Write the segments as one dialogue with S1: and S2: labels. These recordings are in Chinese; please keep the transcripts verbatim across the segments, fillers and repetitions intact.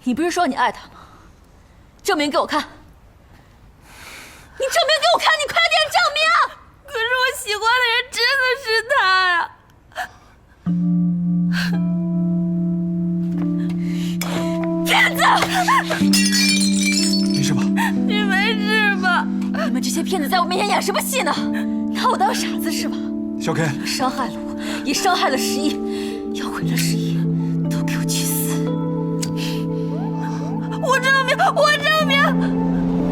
S1: 你不是说你爱他吗？证明给我看！你证明给我看！你快点证明！
S2: 可是我喜欢的人真的是他呀！
S1: 骗子！
S3: 没事吧？
S2: 你没事吧？
S1: 你们这些骗子在我面前演什么戏呢？拿我当傻子是吧？
S3: 小 K，
S1: 伤害了我，也伤害了十一，要毁了十一，都给我去死！
S2: 我证明，我证明。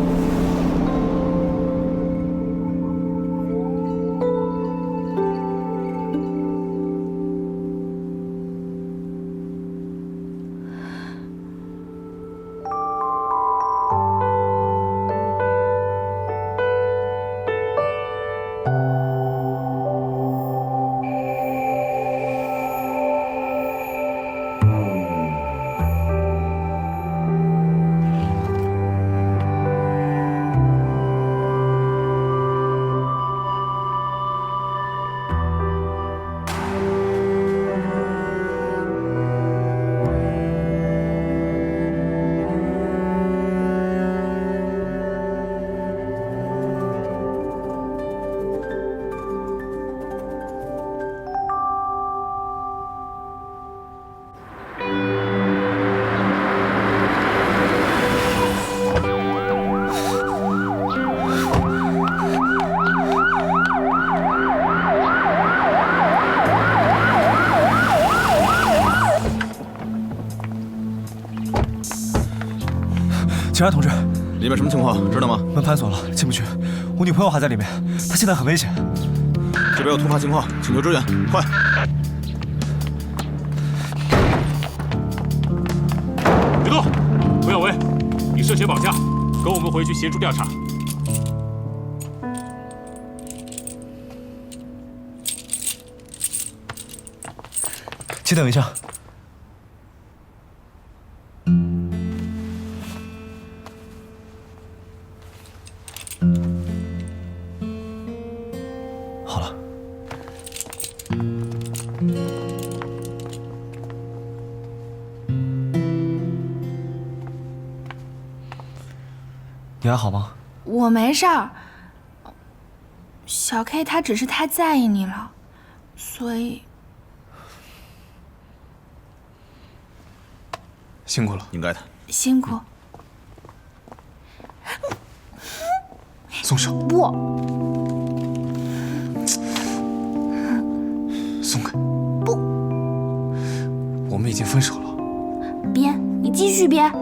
S3: 警察同志，
S4: 里面什么情况？知道吗？
S3: 门反锁了，进不去。我女朋友还在里面，她现在很危险。
S4: 这边有突发情况，请求支援，快！
S5: 别动！涂耀文，你涉嫌绑架，跟我们回去协助调查。
S3: 请等一下。好了。你还好吗？
S2: 我没事儿。小 K 他只是太在意你了，所以
S3: 辛苦了，
S4: 应该的。
S2: 辛苦。
S3: 松手！
S2: 不，
S3: 松开！
S2: 不，
S3: 我们已经分手了。
S2: 编，你继续编。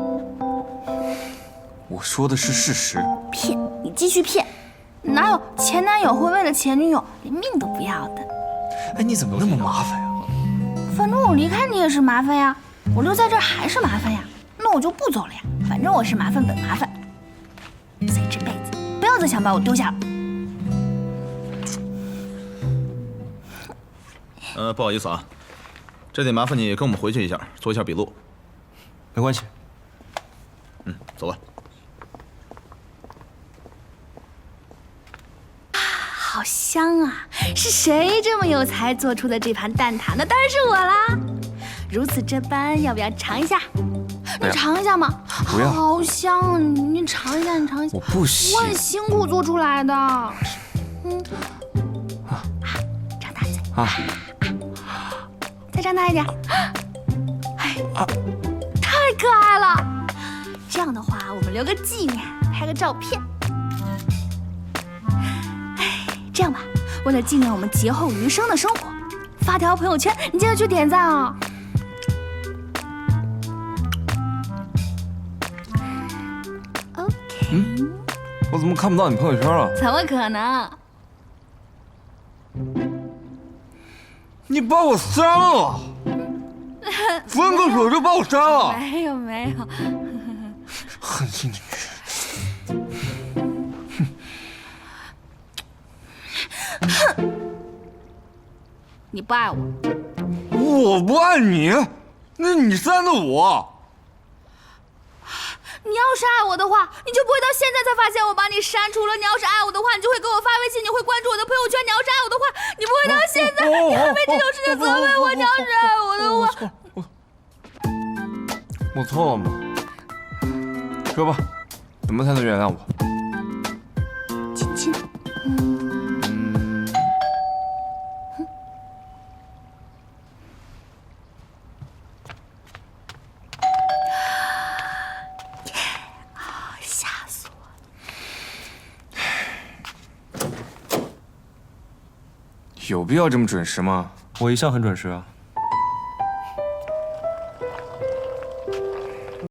S3: 我说的是事实。
S2: 骗，你继续骗。哪有前男友会为了前女友连命都不要的？
S3: 哎，你怎么那么麻烦呀？
S2: 反正我离开你也是麻烦呀，我留在这儿还是麻烦呀，那我就不走了呀。反正我是麻烦本麻烦，所以这辈子不要再想把我丢下了。
S4: 呃，不好意思啊，这得麻烦你跟我们回去一下，做一下笔录。
S3: 没关系。
S4: 嗯，走吧。
S2: 好香啊！是谁这么有才做出的这盘蛋挞？那当然是我啦！如此这般，要不要尝一下？你尝一下嘛！
S3: 不要，
S2: 好香啊！你你尝一下，你尝一下。
S3: 我不行。
S2: 我很辛苦做出来的。嗯。啊，张大嘴。啊。再张大一点。哎，啊，太可爱了！这样的话，我们留个纪念，拍个照片。这样吧，为了纪念我们劫后余生的生活，发条朋友圈，你记得去点赞啊、哦。OK。
S3: 嗯，我怎么看不到你朋友圈了？
S2: 怎么可能？
S3: 你把我删了，分个手就把我删了。
S2: 没有没有。
S3: 狠心的女人。
S2: 哼！你不爱我，
S3: 我不爱你，那你删的我。
S2: 你要是爱我的话，你就不会到现在才发现我把你删除了。你要是爱我的话，你就会给我发微信，你会关注我的朋友圈。你要是爱我的话，你不会到现在，你还为这种事情责备我。你要是爱我的话，
S3: 我错了吗？ 说吧，怎么才能原谅我？
S2: 亲亲。
S3: 嗯。
S2: 吓死我了！
S3: 有必要这么准时吗？
S6: 我一向很准时啊。